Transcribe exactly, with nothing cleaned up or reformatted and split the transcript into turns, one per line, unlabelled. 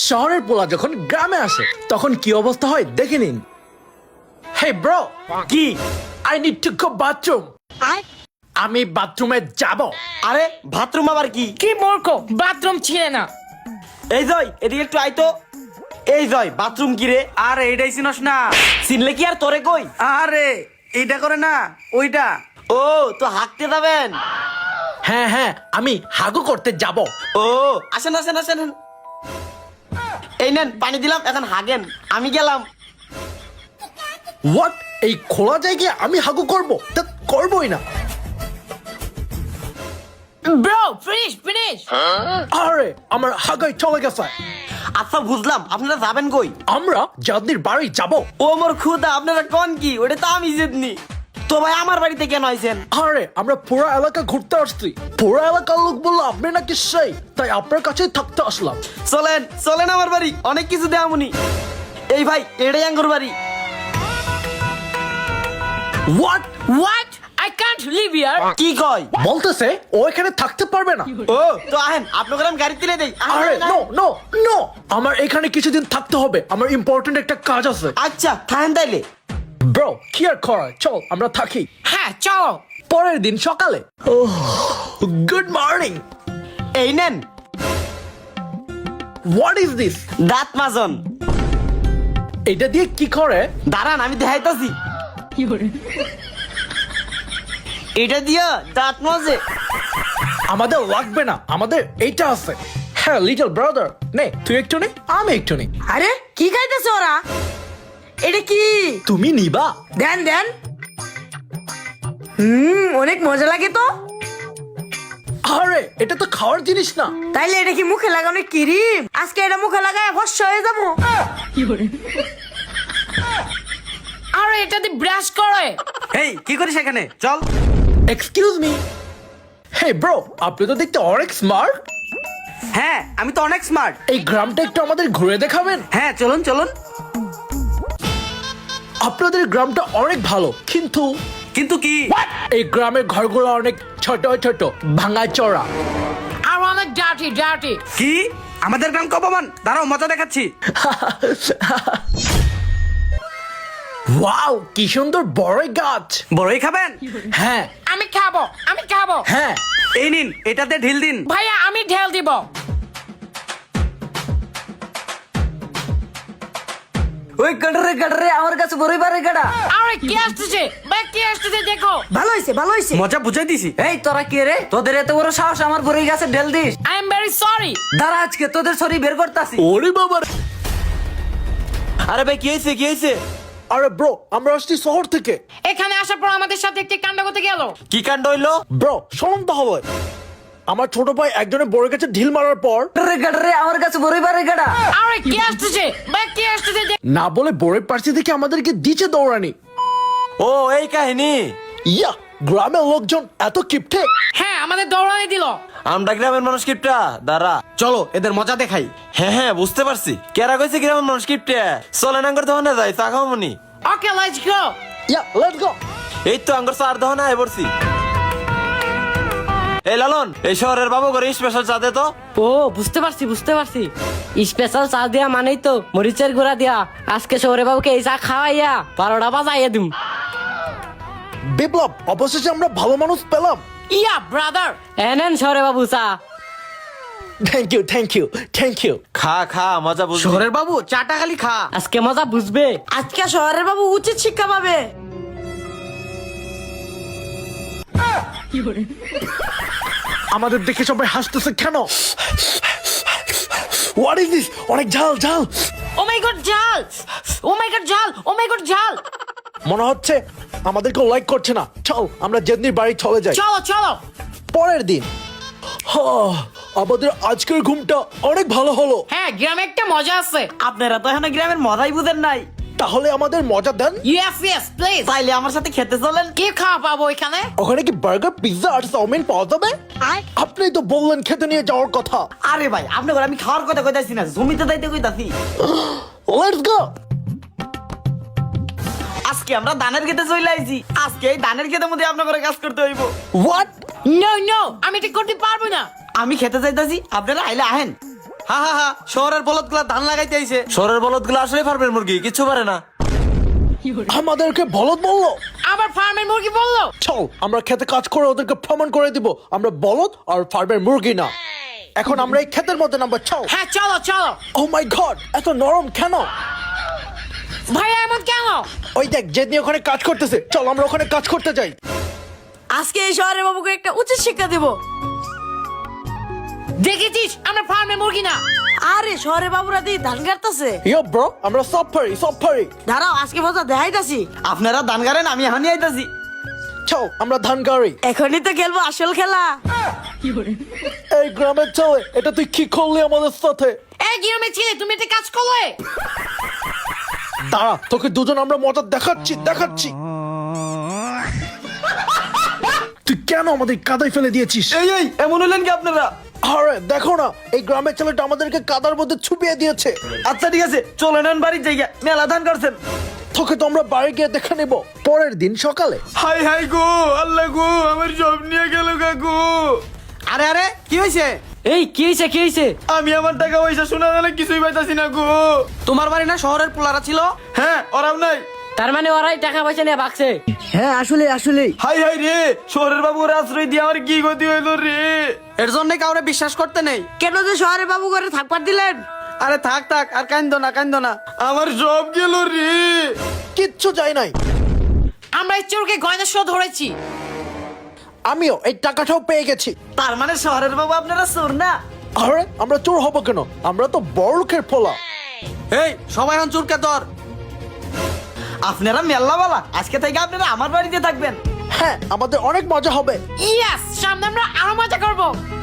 শহরের পোলা যখন গ্রামে আসে তখন কি অবস্থা হয় দেখে নিন। হে ব্রো,
কি?
I need to go bathroom. আমি বাথরুমে যাব।
আরে বাথরুম আবার কি?
কি মূর্খ, বাথরুম ছিলে না।
এই জয় এদিকে একটু আইতো। এই জয় বাথরুম কি রে?
আরে এটাই চিনস না?
চিনলে কি আর তোরে কই?
আরে এইটা করে না, ওইটা।
ও তো হাঁকতে যাবেন?
হ্যাঁ হ্যাঁ, আমি হাগু করতে যাব।
ও আসেন আসেন আসেন। এই নেন পানি দিলাম, এখন হাগেন। আমি গেলাম।
হোয়াট? এই খোলা জায়গায় আমি হাগু করব? তা করবই না।
Bro finish finish.
আরে আমার হাগাই চলে গেছে।
আচ্ছা বুঝলাম, আপনারা যাবেন কই?
আমরা জাদনির বাড়ি যাব।
ও মোর খুদা, আপনারা কোন কি? ওটা তো আমি জেদনি। তো ভাই আমার বাড়িতে কেন আইছেন?
আরে আমরা পুরো এলাকা ঘুরতে আসছি। পুরো এলাকার লোক বললো আপনি নাকি সেই, তাই আপনার কাছেই থাকতে আসলাম।
চলেন চলেন আমার বাড়ি, অনেক কিছু দেয়ামুনি। এই ভাই এটাই আঙ্গুর বাড়ি।
What?
What? I can't leave here.
কি কয়?
বলতেছে ও এখানে থাকতে পারবে না।
ও তো আহেন, আপনাকে আমি গাড়ি তুলে দেই। আহেন,
আরে
আহেন,
নো
আহেন।
নো নো, আমার এখানে কিছুদিন থাকতে হবে। আমার ইম্পর্টেন্ট একটা কাজ আছে।
আচ্ছা থাকেন তাইলে।
ব্রো কি আর করার, চল আমরা থাকি।
হ্যাঁ চলো।
পরের দিন সকালে। Good morning.
এই নেন
হোয়াট ইজ দিস?
দাঁত মাজন।
এটা দিয়ে কি করে?
দাঁড়ান আমি দেখাইতাছি। এটা দিয়া দাঁত মাজে।
আমাদের লাগবে না, আমাদের এইটা আছে। হ্যাঁ লিটল ব্রাদার, নে তুই একটু নে, আমি একটু নে।
আরে কি খাইতেছে ওরা? এটা কি?
তুমি নিবা?
দেন দেন। হুম অনেক মজা লাগে তো।
আরে এটা তো খাওয়ার জিনিস না।
তাইলে এটা কি মুখে লাগানো ক্রিম? আজকে এটা মুখে লাগায় ফর্সা হয়ে যাবো।
আর এটা দিয়ে ব্রাশ করে।
এই কি করিস এখানে? চল।
Excuse me. হে ব্রো, আপনি তো দেখতে অনেক স্মার্ট।
হ্যাঁ আমি তো অনেক স্মার্ট।
এই গ্রামটা একটু আমাদের ঘুরে দেখাবেন?
হ্যাঁ চলুন চলুন।
আপনাদের গ্রামটা অনেক ভালো, কিন্তু
কিন্তু কি?
এই গ্রামের ঘরগুলো অনেক ছোট ছোট, ভাঙা চড়া।
আর অনেক ডার্টি ডার্টি।
কি? আমাদের গ্রাম কপমান? দাঁড়াও মজা দেখাচ্ছি।
ওয়াও কি সুন্দর বড় গাছ।
বড়ই খাবেন?
হ্যাঁ
আমি খাবো আমি খাবো।
হ্যাঁ।
এই নিন, এটাতে ঢিল দিন।
ভাইয়া আমি ঢেল দিব।
ওই গাড়রে গাড়রে আমার কাছে বড়ই বারে গাড়া।
আরে কি আসতেছে ভাই, কি আসতেছে দেখো।
ভালো হইছে ভালো হইছে।
মজা বুঝাই দিছি।
এই তোরা কে রে? তোদের এত বড় সাহস আমার বড়ই গাছে ঢেল দিস?
I am very sorry.
দাঁড়া আজকে তোদের শরীর বের করতাছি।
ওরে বাবা রে।
আরে ভাই কি হয়েছে কি হয়েছে?
আরে ব্রো আমরা আসছি শহর থেকে।
এখানে আসার পর আমাদের সাথে একটি কাণ্ড করতে গেল।
কি কাণ্ড হইলো?
ব্রো শোন তো হবে, আমার ছোট ভাই একজনের বড় গাছে ঢিল মারার পর
গাড়রে গাড়রে আমার কাছে বড়ই বারে গাড়া।
আরে কি আসতেছে ভাই, কি আসতেছে দেখ-
না বলে বড়ের পার্সি থেকে আমাদেরকে দিচ্ছে দৌড়ানি।
ও এই কাহিনী।
ইয়া, গ্রামের লোকজন এত কিপটে।
হ্যাঁ আমাদের দৌড়ানি দিল।
আমরা গ্রামের মানুষ কিপটা। দাঁড়া
চলো এদের মজা দেখাই।
হ্যাঁ হ্যাঁ বুঝতে পারছি। কেরা কইছে গ্রামের মানুষ কিপটা? চলেন আঙ্গুর দোকানে যাই, চা খাও মনি।
Okay let's go.
Yeah let's go.
এই তো আঙ্গুর চার দোকানে আয় পড়ছি। এই লালন, এই শহরের বাবু করে স্পেশাল চা দে তো।
ও বুঝতে পারছি বুঝতে পারছি স্পেশাল চা দেয়া মানেই তো মরিচের গুঁড়া দেয়া। আজকে শহরে বাবুকে এই চা খাওয়াইয়া বারোটা বাজাইয়া দিম।
বিপ্লব, অবশেষে আমরা ভালো মানুষ পেলাম।
ইয়া ব্রাদার।
এনেন শহরে বাবু চা।
Thank you thank you thank you.
খা খা মজা বুঝ।
শহরের বাবু চাটা খালি খা।
আজকে মজা বুঝবে।
আজকে শহরের বাবু উচিত শিক্ষা পাবে।
আমাদের দেখে সবাই হাসতেছে কেন? What is this? অনেক ঝাল ঝাল।
ও মাই গড জাল। ও মাই গড জাল। ও মাই গড জাল।
মনে হচ্ছে আমাদেরকে লাইক করছে না। চল আমরা জেদনির বাড়ি চলে যাই।
চলো চলো।
পরের দিন। হ্যাঁ, আমাদের আজকের ঘুমটা অনেক ভালো হলো।
হ্যাঁ গ্রামে একটা মজা আছে।
আপনারা তো এখনো গ্রামের মজাই বুঝেন নাই।
তাহলে আমাদের মজা দেন।
Yes yes please.
তাইলে আমার সাথে খেতে চলেন।
কি খাওয়া পাবো এখানে?
ওখানে কি বার্গার, পিৎজা আর চাউমিন পাওয়া যাবে? আপনি তো বললেন খেতে নিয়ে যাওয়ার কথা।
আরে ভাই আপনাকে আমি খাওয়ার কথা কইতাছি না, জমিতে যাইতে কইতাছি।
Let's go.
আজকে আমরা ধানের খেতে চলে আইছি। আজকে এই ধানের খেতের মধ্যে আপনাদের কাজ করতে হইব।
হোয়াট?
নো নো, আমি এটা করতে পারবো না।
আমি খেতে চাইতাছি, আপনারা আইলে আহেন।
হা হা হা শহরের বলদ গুলা ধান লাগাইতে আইছে।
শহরের বলদ গুলো আসলে ফার্মের মুরগি কিছু পারে না।
আমাদেরকে বলদ বললো।
আবার ফার্মের মুরগি বললো।
চল আমরা খেতে কাজ করে ওদেরকে প্রমাণ করে দিব আমরা বলদ আর ফার্মের মুরগি না। এখন আমরা এই ক্ষেতের মধ্যে নামবো, চল।
হ্যাঁ চলো চলো।
ও মাই গড, এত নরম কেন?
ভাইয়া এমন কেন?
ওই দেখ জেদনি ওখানে কাজ করতেছে, চল আমরা ওখানে কাজ করতে যাই।
আজকে এই শহরের বাবুকে একটা উচিত শিক্ষা দেব। দেখেছিস আমরা ফার্মের মুরগি না। আরে শহরের বাবুরা দিয়ে ধান কাটতেছে।
ইয়ো ব্রো, আমরা সব পারি সব পারি।
দাঁড়াও আজকে মজা দেখাইতাছি।
আপনারা ধান গাড়েন, আমি এখনই আইতাছি।
চল আমরা ধান গাড়ি।
এখনই তো খেলবো আসল খেলা।
এই গ্রামের চলে, এটা তুই কি করলি আমাদের সাথে?
এই গ্রামে ছেলে তুমি একটা কাজ করলে।
দাঁড়া, তোকে দুজন আমরা মজা দেখাচ্ছি দেখাচ্ছি। তুই কেন আমাদের কাদায় ফেলে দিয়েছিস?
এই এই এমন হলেন কি আপনারা?
আরে দেখো না, এই গ্রামের ছেলেটা আমাদেরকে কাদার মধ্যে ছুপিয়ে দিয়েছে।
আচ্ছা ঠিক আছে, চলে নেন বাড়ির জায়গা, মেলা ধান করছেন।
তোকে তো আমরা বাড়ি গিয়ে দেখে নেব পরের দিন সকালে।
হাই হাই গো আল্লাহ গো, আমার জব নিয়ে গেল কাকু।
আরে আরে কি হয়েছে?
এই কি হয়েছে কি হয়েছে?
আমি আমার টাকা পয়সা শোনা গেলে কিছুই পাইতাছি না গো।
তোমার বাড়ি না শহরের পোলারা ছিল?
হ্যাঁ ওরাও নাই।
তার মানে ওরাই টাকা পয়সা নিয়ে ভাগছে।
হ্যাঁ আসলে আসলে
হাই হাই রে, শহরের বাবুর আশ্রয় দিয়ে আমার কি গতি হইলো রে।
এর জন্য কাউরে বিশ্বাস করতে নেই।
কেন যে শহরের বাবু করে থাকবার দিলেন?
আরে থাক থাক আর কান্দো না কান্দো না।
আমার জব গেল রে।
কিচ্ছু যায় নাই।
আমরা এই চোরকে গয়না সহ ধরেছি।
আমিও এই টাকাটাও পেয়ে গেছি।
তার মানে শহরের বাবু আপনারা চোর না?
আরে আমরা চোর হবো কেন? আমরা তো বড় লোকের পোলা।
এই সবাই এখন চুরকে ধর।
আপনারা মেল্লাওয়ালা, আজকে থেকে আপনারা আমার বাড়িতে থাকবেন।
হ্যাঁ, আমাদের অনেক মজা হবে।
ইয়েস, সামনে আমরা আরো মজা করবো।